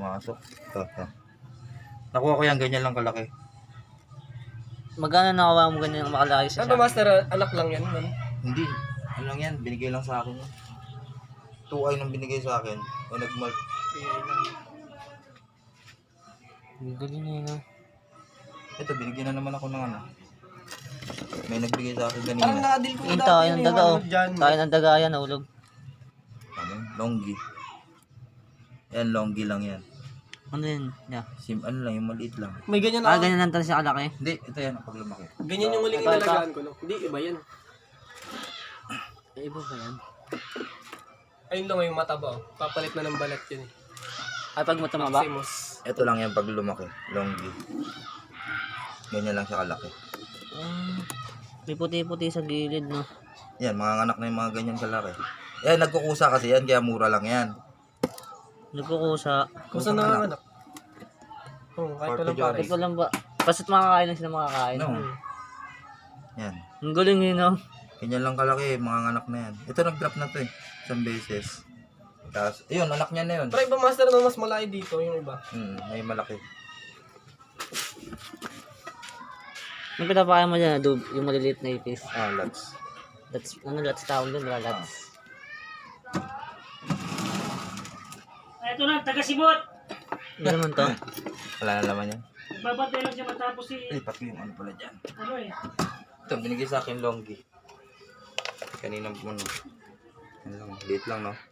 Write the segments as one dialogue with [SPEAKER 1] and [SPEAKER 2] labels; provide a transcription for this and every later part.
[SPEAKER 1] pumasok. Ito. Nakuha ko yan, ganyan lang kalaki.
[SPEAKER 2] Magkano nakawa mo ganyan makalaki sa
[SPEAKER 3] Ano master, anak lang yan, man.
[SPEAKER 1] Hindi. Ano lang yan, binigay lang sa akin. 2i nang binigay sa akin. O nagmal.
[SPEAKER 2] Galing na yun.
[SPEAKER 1] Ito, binigyan na naman ako ng ano. May nagbigay sa akin
[SPEAKER 3] Parang
[SPEAKER 1] kanina.
[SPEAKER 3] na-deal ko
[SPEAKER 2] Yung
[SPEAKER 3] dati
[SPEAKER 2] tayo
[SPEAKER 3] yun,
[SPEAKER 2] ng daga oh.
[SPEAKER 3] dyan.
[SPEAKER 2] Tayo ng daga yan, nahulog.
[SPEAKER 1] Ano? Longgi. Yan, longgi lang yan.
[SPEAKER 2] Ano yun? Yeah.
[SPEAKER 1] Ano lang, yung maliit lang.
[SPEAKER 3] May ganyan
[SPEAKER 2] Ah,
[SPEAKER 3] ako.
[SPEAKER 2] ganyan lang talaga siya kalaki.
[SPEAKER 1] Hindi, ito yan, pag lumaki.
[SPEAKER 3] Ganyan yung huling
[SPEAKER 2] Ito, ito.
[SPEAKER 3] inalagaan ko, no? Hindi, iba yan.
[SPEAKER 2] Iba ba yan?
[SPEAKER 3] Ayun lang yung mataba, oh. Papalit na ng balat yun, eh.
[SPEAKER 2] Ay, pag matumaba?
[SPEAKER 3] Maximus.
[SPEAKER 1] Ito lang yan pag lumaki. Longgi. Ganyan lang siya kalaki.
[SPEAKER 2] May puti-puti sa gilid, no?
[SPEAKER 1] Yan, mga anak na yung mga ganyan kalaki. Yan, nagkukusa kasi yan, kaya mura lang yan.
[SPEAKER 2] Nagkukusa.
[SPEAKER 3] Kusa na nga anak. Oo, kahit walang
[SPEAKER 1] Portuguese.
[SPEAKER 3] pare.
[SPEAKER 2] Ito lang ba? Basta't makakain lang sila makakain.
[SPEAKER 1] No. Yan.
[SPEAKER 2] Ang galing yun, no?
[SPEAKER 1] Ganyan lang kalaki, mga anak na yan. Ito nag-drop na to eh. Isang beses. Tapos, ayun, anak niya na yun.
[SPEAKER 3] Pero iba master na mas malaki dito, yung iba.
[SPEAKER 1] May malaki.
[SPEAKER 2] Yung pinapakain mo dyan, yung maliliit na ipis.
[SPEAKER 1] Lots.
[SPEAKER 2] That's, ano, lots tawag doon, wala lots.
[SPEAKER 4] Ito na, taga-sibot.
[SPEAKER 2] Ano naman to?
[SPEAKER 1] Wala na naman yan.
[SPEAKER 4] Babantay lang siya matapos si...
[SPEAKER 1] Lipat ko yung ano pala dyan.
[SPEAKER 4] Ano eh.
[SPEAKER 1] Ito, binigay sa akin longgi. Kanina mo ano. Yan lang, liit lang no.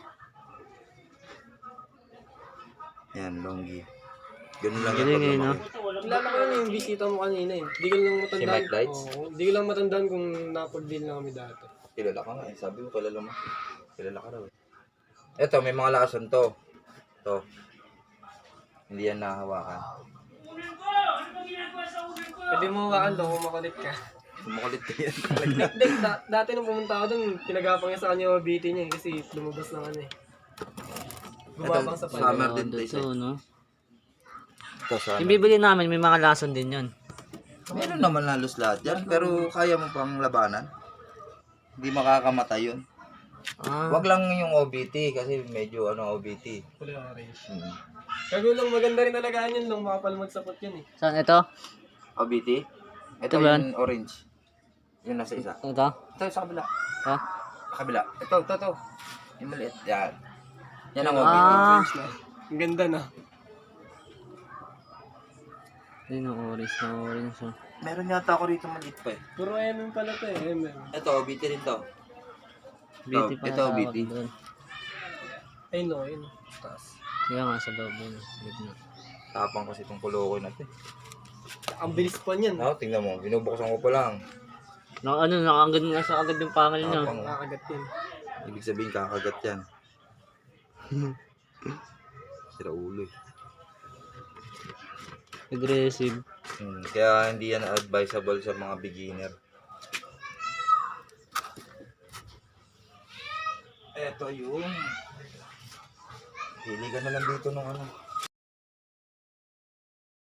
[SPEAKER 1] Yan, longgi. Ganun lang yung
[SPEAKER 2] Galing
[SPEAKER 1] pag
[SPEAKER 2] no?
[SPEAKER 1] lumaki.
[SPEAKER 3] Kilala ko yun yung bisita mo kanina, eh. Di ko lang matandaan.
[SPEAKER 1] Si Mike Lights?
[SPEAKER 3] Oo, di ko lang matandaan kung napag-deal na kami dati.
[SPEAKER 1] Kilala ka nga eh. Sabi ko, kilala mo. Kilala ka raw eh. Ito, may mga lakasan to. To. Hindi yan nahawakan.
[SPEAKER 4] Unan ko! Ano ba ginagawa sa unan ko?
[SPEAKER 3] Pwede mo hawakan daw kung makulit ka.
[SPEAKER 1] Makulit ka yan.
[SPEAKER 3] Hindi, dati nung pumunta ako dun, pinagapang niya sa kanya yung BT niya, eh, kasi lumabas na ano eh. Gumabang sa
[SPEAKER 1] Summer
[SPEAKER 3] pala.
[SPEAKER 1] din to isa.
[SPEAKER 2] Ito, no?
[SPEAKER 1] Ito, summer.
[SPEAKER 2] Yung bibili namin, may mga lason din yun.
[SPEAKER 1] Meron naman halos lahat yan, pero kaya mo pang labanan. Hindi makakamatay yun. Wag lang yung OBT kasi medyo OBT.
[SPEAKER 3] Kulay orange.
[SPEAKER 1] Hmm.
[SPEAKER 3] Kagulang maganda rin alagaan yun, nung makapalmag sapot yun eh.
[SPEAKER 2] Saan ito?
[SPEAKER 1] OBT? Ito
[SPEAKER 2] Ito ba
[SPEAKER 1] yung orange. Yung nasa isa.
[SPEAKER 2] Ito?
[SPEAKER 1] Ito sa kabila.
[SPEAKER 2] Ha?
[SPEAKER 1] Sa kabila. Ito. Yung maliit. Yan. Yan ang OBT.
[SPEAKER 2] Ah!
[SPEAKER 3] Orange na. Ang ganda na.
[SPEAKER 2] Yun ang orange na orange. Oh.
[SPEAKER 1] Meron yata ako rito maliit pa eh.
[SPEAKER 3] Puro MM pala to eh, MM.
[SPEAKER 1] Ito, OBT rin to.
[SPEAKER 2] BT pa
[SPEAKER 1] ito,
[SPEAKER 2] na tawag
[SPEAKER 1] BT.
[SPEAKER 2] doon.
[SPEAKER 3] Ayun o, ayun. Taas.
[SPEAKER 2] Kaya nga sa loob yun. Sa gitna.
[SPEAKER 1] Tapang kasi itong kulokoy natin.
[SPEAKER 3] Ang bilis pa niyan.
[SPEAKER 1] Tingnan mo. Binubuksan ko pa lang.
[SPEAKER 2] Nakanggan nga sa agad yung pangal niya.
[SPEAKER 1] Tapang.
[SPEAKER 3] Nakakagat yun.
[SPEAKER 1] Ibig sabihin kakagat yan. Sira ulo eh.
[SPEAKER 2] Aggressive.
[SPEAKER 1] Kaya hindi yan advisable sa mga beginner. Ito yung hili ka na lang dito nung ano.